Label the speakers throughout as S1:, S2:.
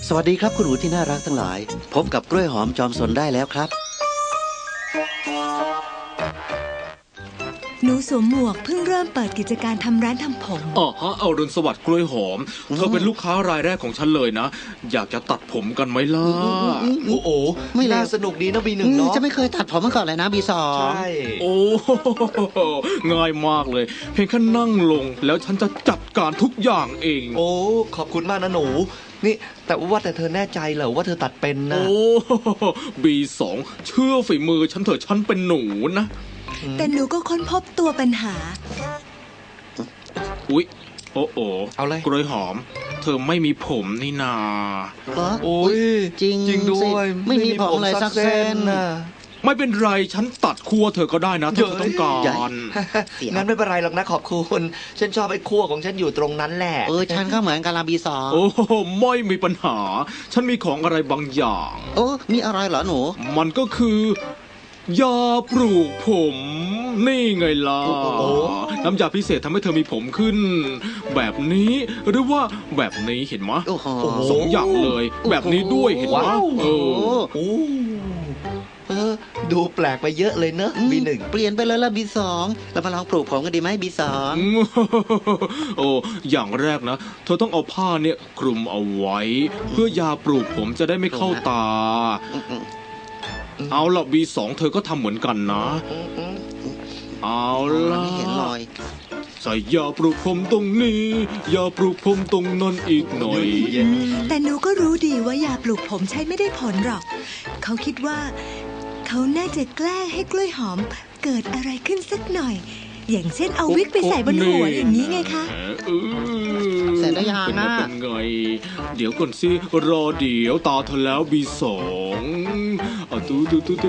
S1: สวัสดีครับคุณหนูที่น่ารักทั้งหลายพบกับกล้วยหอมจอมสนได้แล้วครับ
S2: หนูสวมหมวกเพิ่งเริ่มเปิดกิจการทำร้านทำผม
S3: เอารุณสวัสดิ์กล้วยหอมเธอเป็นลูกค้ารายแรกของฉันเลยนะอยากจะตัดผมกันไหมล่ะ
S4: โอ้โหไม่น่าสนุกดีนะบีหนึ่งเนาะ
S1: จะไม่เคยตัดผมมาก่อนเลยนะบีสอง
S4: ใช่
S3: โอ้ง่ายมากเลยเพียงแค่นั่งลงแล้วฉันจะจัดการทุกอย่างเอง
S4: โอ้ขอบคุณมากนะหนูนี่แต่ว่าแต่เธอแน่ใจเหรอว่าเธอตัดเป็นนะ
S3: โอ้B2เชื่อฝีมือฉันเถอะฉันเป็นหนูนะ
S2: แต่หนูก็ค้นพบตัวปัญหา
S3: อุ๊ยโอ้
S4: เอาเลย
S3: กล้วยหอมเธอไม่มีผมนี่นา
S4: โอ้ย
S1: จริง
S4: ด้วย
S1: ไม่มีผมเลยสักเส้นนะ
S3: ไม่เป็นไรฉันตัดคั่วเธอก็ได้นะถ้าเธอต้องการ
S4: งั้นไม่เป็นไรหรอกนะขอบคุณฉันชอบไอ้คั่วของฉันอยู่ตรงนั้นแหละ
S1: ฉันก็เหมือนกันละบีสอง
S3: โอ้ไม่มีปัญหาฉันมีของอะไรบางอย่าง
S1: มีอะไรเหรอหนู
S3: มันก็คือยาปลูกผมนี่ไงล่ะน้ำยาพิเศษทำให้เธอมีผมขึ้นแบบนี้หรือว่าแบบนี้เห็นไหมสองอย่างเลยแบบนี้ด้วยเห็นไหม
S4: ดูแปลกไปเยอะเลยเนอะบีหนึ่ง
S1: เปลี่ยนไปเลยละบีสองเรามาลองปลูกผมกันดีไหมบีสอง
S3: อย่างแรกนะเธอต้องเอาผ้าเนี่ยคลุมเอาไว้เพื่อยาปลูกผมจะได้ไม่เข้าตาเอาละB2เธอก็ทำเหมือนกันนะเอาละ
S1: ไม่เห็นรอย
S3: ใส่ยาปลูกผมตรงนี้ยาปลูกผมตรงนั้นอีกหน่อย
S2: แต่หนูก็รู้ดีว่ายาปลูกผมใช้ไม่ได้ผลหรอกเขาคิดว่าเขาน่าจะแกล้งให้กล้วยหอมเกิดอะไรขึ้นสักหน่อยอย่างเช่นเอาวิกไปใส่บนหัวอย่างนี้ไงคะ
S1: เสร็จแล้วยังนะ
S3: เป็นไงเดี๋ยวก่อนสิรอเดี๋ยวตาเธอแล้วB2ตู้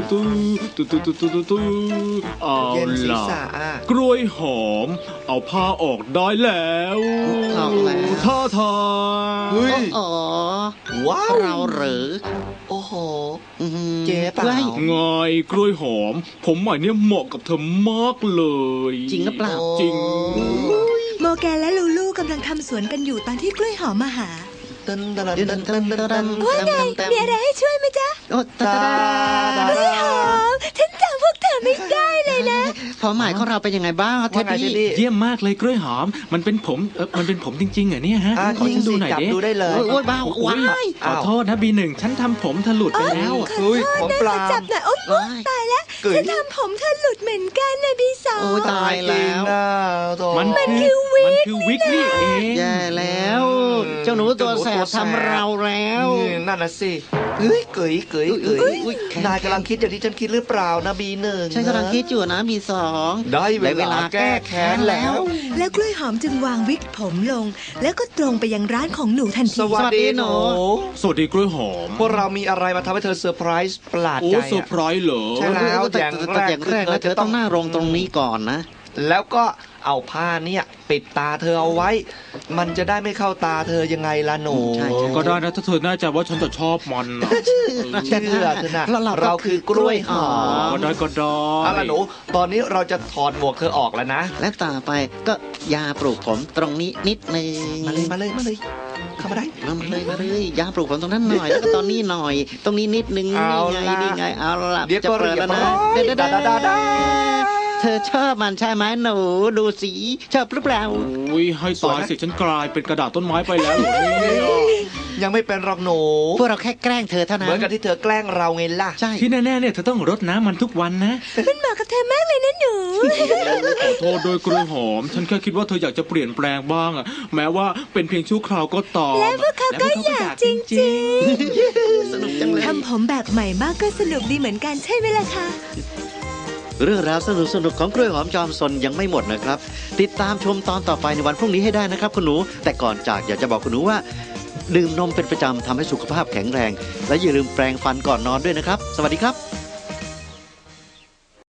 S3: เอาล่ะกล้วยหอมเอาผ้าออกได้แล้วท่าทาง
S4: ว้าว
S1: เราหรือ
S4: โอ้โหเจ๊เปล่า
S3: ไงกล้วยหอมผมใหม่เนี่ยเหมาะกับเธอมากเลย
S1: จริงหรือเปล่า
S3: จริง
S2: โมแกนและลูลูกำลังทำสวนกันอยู่ตอนที่กล้วยหอมมาหาว่าไงมีอะไรให้ช่วยไหมจ๊ะกล้วยหอมฉันจำพวกเธอไม่ได้เลยนะ
S1: ผมหมายของเราเป็นยังไงบ้างเท็ดดี้
S3: เยี่ยมมากเลยกล้วยหอมมันเป็นผมจริงๆเหรอเนี่ยฮะ
S4: ขอฉันดูหน่อยดิ
S1: โอ้ยบ้าว้าย
S3: ขอโทษนะB1ฉันทำผมเธอหลุดไปแล้ว
S4: ผมปลา
S2: จับหน่อยโอ๊ยตายแล้วฉันทำผมเธอหลุดเหมือนกันนะB2
S1: โอ้ยตายแล้ว
S3: มันคือวิกนี่เอง
S1: แย่แล้วเจ้าหนูตัวแสบทำเราแล้ว
S4: นั่นน่ะสิเกยนายกำลังคิดอย่างที่ฉันคิดหรือเปล่านะB1
S1: ฉันกำลังคิดอยู่นะB2
S4: ได้เวลาแก้แค้นแล้ว
S2: กล้วยหอมจึงวางวิกผมลงแล้วก็ตรงไปยังร้านของหนูทันที
S4: สวัสดีหนู
S3: สวัสดีกล้วยหอม
S4: พวกเรามีอะไรมาทำให้เธอเซอร์ไพรส์ประหลาดใจ
S3: เซอร์ไพรส์เหรอ
S4: ใช่แล้ว
S1: อย่างแรกนะเธอต้องหน้าลงตรงนี้ก่อนนะ
S4: แล้วก็เอาผ้าเนี่ยปิดตาเธอเอาไว้มันจะได้ไม่เข้าตาเธอยังไงล่ะหนู
S3: ก็ได้นะถ้าเธอแน่ใจว่าฉันจะชอบมัน
S4: เชื่อเธอนะเราคือกล้วยหอม
S3: ก็ได้
S4: เอาล่ะหนูตอนนี้เราจะถอดหมวกเธอออกแล้วนะ
S1: และต่อไปก็ยาปลูกผมตรงนี้นิดนึง
S4: มาเลยเข้ามาได้
S1: มาเลยยาปลูกผมตรงนั้นหน่อยแล้วก็ตอนนี้หน่อยตรงนี้นิดนึงนี่ไงเอาล่ะ
S4: จะเปิดแล้วนะ
S1: เธอชอบมันใช่ไหมหนูดูสิชอบหรือเปล่า
S3: อุ้ยให้ตายสิฉันกลายเป็นกระดาษต้นไม้ไปแล้ว
S4: ยังไม่เป็นหรอกหนู
S1: พวกเราแค่แกล้งเธอเท่านั้น
S4: เหมือนกับที่เธอแกล้งเราไงล่ะ
S3: ใช่ที่แน่ๆเนี่ยเธอต้องรดน้ำมันทุกวันนะ
S2: มันเหมาะกับเธอมากเลยนะหนู
S3: ขอโทษโดยกล้วยหอมฉันแค่คิดว่าเธออยากจะเปลี่ยนแปลงบ้างอะแม้ว่าเป็นเพียงชั่วคราวก็ตาม
S2: และพวกเขาก็อยากจริงๆสนุกจังเลยทำผมแบบใหม่มากก็สนุกดีเหมือนกันใช่ไหมล่ะคะ
S1: เรื่องราวสนุกของกล้วยหอมจอมซนยังไม่หมดนะครับติดตามชมตอนต่อไปในวันพรุ่งนี้ให้ได้นะครับคุณหนูแต่ก่อนจากอยากจะบอกคุณหนูว่าดื่มนมเป็นประจำทำให้สุขภาพแข็งแรงและอย่าลืมแปรงฟันก่อนนอนด้วยนะครับสวัสดีครับ